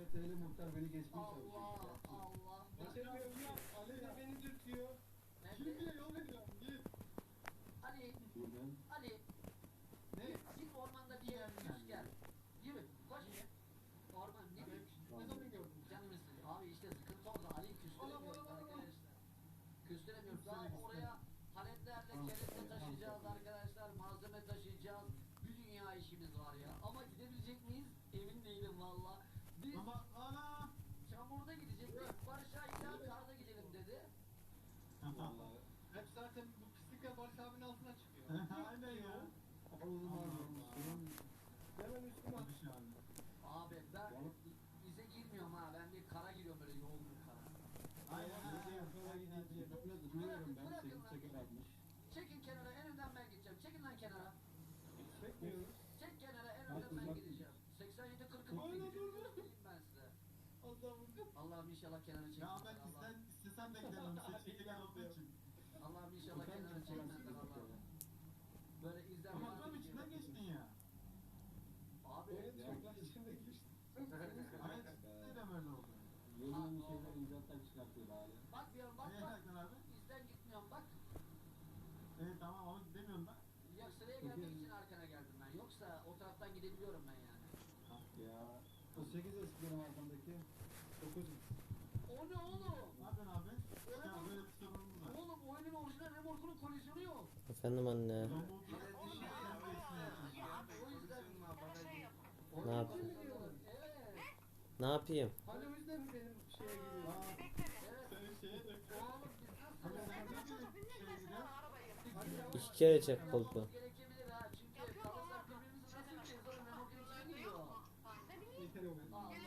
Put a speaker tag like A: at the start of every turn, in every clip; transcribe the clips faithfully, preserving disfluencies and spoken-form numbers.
A: kilometreyle muhtar beni geçmeye çalışıyor.
B: Allah Allah.
C: Geçemiyorum ya. Ali de beni dürtüyor.
B: Nerede?
C: Şimdi yol veriyorum. Git.
B: Ali,
A: Buradan.
B: Ali.
C: Ne?
B: Git ormanda bir yere küs gel. Yürü, koş. Orman ne
C: Ne
B: bileyim.
C: zaman gördün?
B: Canım istiyor. Abi işte sıkıntı orada. Ali'yi küstüremiyoruz arkadaşlar. Küstüremiyoruz. Daha oraya paletlerle kelepçe taşıyacağız arkadaşlar. Malzeme taşıyacağız. Bir dünya işimiz var ya. Ama gidebilecek miyiz? Emin değilim valla. Biz
C: Ama ana.
B: çamurda gidecektik. Barış Ağa karda gidelim dedi.
A: Vallahi.
C: Hep zaten bu pislikler Barış abinin altına çıkıyor.
D: Aynen ya.
A: Havuzum varmış. Bunun
C: Hemen üstüme at.
D: Tabii şu an.
B: Abi ben
A: Balık.
B: bize girmiyorum ha. Ben bir kara giriyorum böyle yoğun bir kara.
D: Aynen.
A: Gece yukarı gidince böyle duruyorum ben. Sekiz çeker atmış.
B: Çekin kenara en önden ben gideceğim. Çekin lan kenara.
C: Çekmiyoruz.
B: Çek kenara en önden ben gideceğim. seksen yedi kırkı
C: Aynen öyle.
B: göstereyim ben size.
C: Allah'ım.
B: Allah'ım inşallah kenara çekmezler.
D: Ya ben isten, istesem de giderim. Seçim gelen olduğu için.
B: Allah'ım inşallah kenara çekmezler Allah'ım. Böyle izler.
D: Ama tam içinden geçtin ya.
B: Abi.
C: Evet, çoklar içinde geçti.
D: Aynen. Neden öyle oldu?
A: Yeni yeni şeyler icatlar çıkartıyor hala.
B: Bak diyorum bak
D: Neye
B: bak.
D: taktın abi?
B: İzden gitmiyorum bak.
D: Evet tamam ama demiyorum da.
B: Ya sıraya gelmek için arkana geldim ben. Yoksa o taraftan gidebiliyorum ben yani.
A: Ah ya. O sekiz eskiden arkamdaki dokuz.
B: O ne oğlum?
D: Ne yapıyorsun abi? Ya böyle bir sorunumuz var.
B: Oğlum oyunun orijinal remorkunun kolizyonu yok.
E: Efendim anne.
D: Robot sen de ismini
B: O yüzden
E: Ne yapayım?
B: Evet.
E: Ne yapayım?
C: Hani o yüzden mi benim şeye geliyor?
B: Evet.
D: Senin şeye dök.
B: Oğlum biz
D: Hani
B: nasıl
D: sen ne gibi şeye gidiyorsun?
E: İki kere çek koltuğu.
B: gerekebilir ha. Çünkü kalırsak birbirimizi nasıl yiyeceğiz oğlum? Remorkun içine giriyor.
C: Yeter o benim.
B: Allah.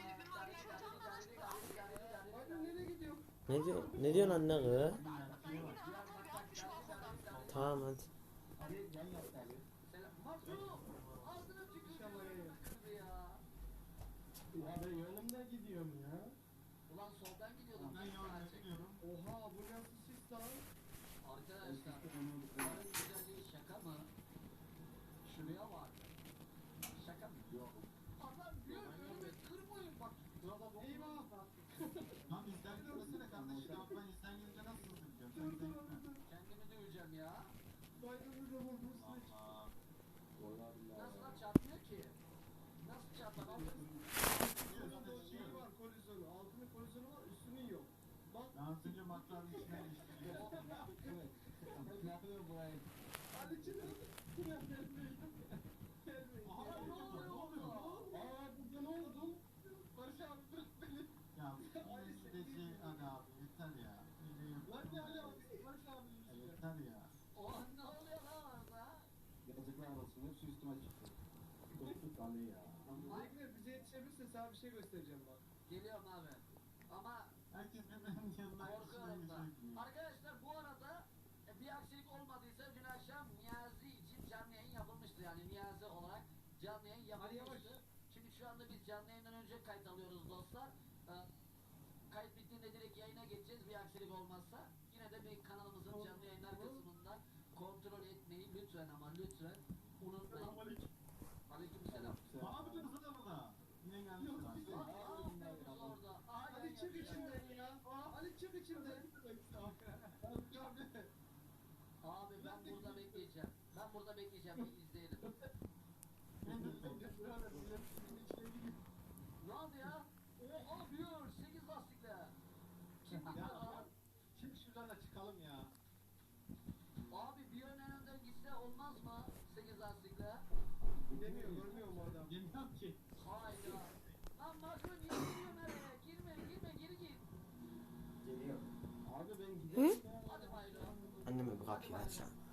C: Hadi nereye gidiyor?
E: Ne diyor? Ne diyorsun anne kız? Tamam hadi.
A: Abi yan yattı abi.
B: Selam. Makro. Ağzına tükürdüm. Kızı ya.
A: Ya ben yolumda gidiyorum ya.
B: Ulan soldan gidiyordum.
D: Ben yolda gidiyorum.
C: Oha bu nasıl sis lan?
B: Arkadaşlar. Bunların güzelliği şaka mı? Şuraya var. Şaka mı?
A: Yok.
B: Adam diyor önüme kırmayın bak.
C: Eyvah.
D: Lan bizden gitmesene kardeş. Ya ben izden gidince nasıl hızlı gidiyorum? Sen
C: Dur
D: izden
C: dur
D: gitme.
C: dur.
B: Kendimi döveceğim ya.
C: Baydırı da vurdu üstüne çıktı.
D: Allah.
A: Vallahi billahi.
B: Nasıl lan çarpmıyor ki? Nasıl çarpar?
C: Şurada o şeyi var kolizyonu. Altının kolizyonu var üstünün yok. Bak.
D: Ben az önce makların içine geçtim.
A: Evet. Ne yapıyor burayı?
C: Hadi çıkın. Gelmeyin. Gelmeyin.
D: Aha,
B: Ne oluyor
D: ne oluyor?
B: orada?
C: Aa burada ne oldu? Barış abi bırak beni.
D: Ya yine gideceği hadi abi yeter ya. Yine yok.
C: Lan ne hala Barış abi
D: Ya
C: yüzüyor.
D: yeter ya.
B: O an ne oluyor lan orada?
A: Yazıklar olsun. Hepsi üstüme çıktı. Korktuk Ali ya.
C: Zekler bize yetişebilirse sana bir şey göstereceğim bak.
B: Geliyorum abi. Ama
D: Herkes birbirinin yanına
B: korkuyorum da.
D: içinden geçiyor.
B: Arkadaşlar bu arada e, bir aksilik olmadıysa dün akşam Niyazi için canlı yayın yapılmıştı. Yani Niyazi olarak canlı yayın
C: Hadi yavaş.
B: yapılmıştı. Şimdi şu anda biz canlı yayından önce kayıt alıyoruz dostlar. Ee, kayıt bittiğinde direkt yayına geçeceğiz bir aksilik olmazsa. Yine de bir kanalımızın canlı yayınlar kısmında kontrol etmeyi lütfen ama lütfen unutmayın. Aleykümselam.
D: Aa bir de kızı da burada. Yine gelmiş
C: Yok,
D: lan.
C: bize-
B: Aa, aa, kız orada. Aa,
C: Hadi
B: yan
C: çık
B: yapıyor.
C: içinden ya. Hadi çık içinden.
B: Abi ben burada bekleyeceğim. Ben burada bekleyeceğim. Bir izleyelim. Ne oldu ya? Oha diyor. sekiz lastikle. Kim gidiyor lan?
C: Çık şuradan da çıkalım ya.
B: Abi bir ön en önden gitse olmaz mı? sekiz lastikle.
C: Demiyor, görmüyor mu adam?
D: Bilmiyorum ki.
B: Hayda. Lan Makro niye giriyorsun araya? Girme girme geri git.
A: Geliyor. Abi ben gidiyorum ya.
B: Hadi Mayro.
E: Anneme bir kapıyı aç.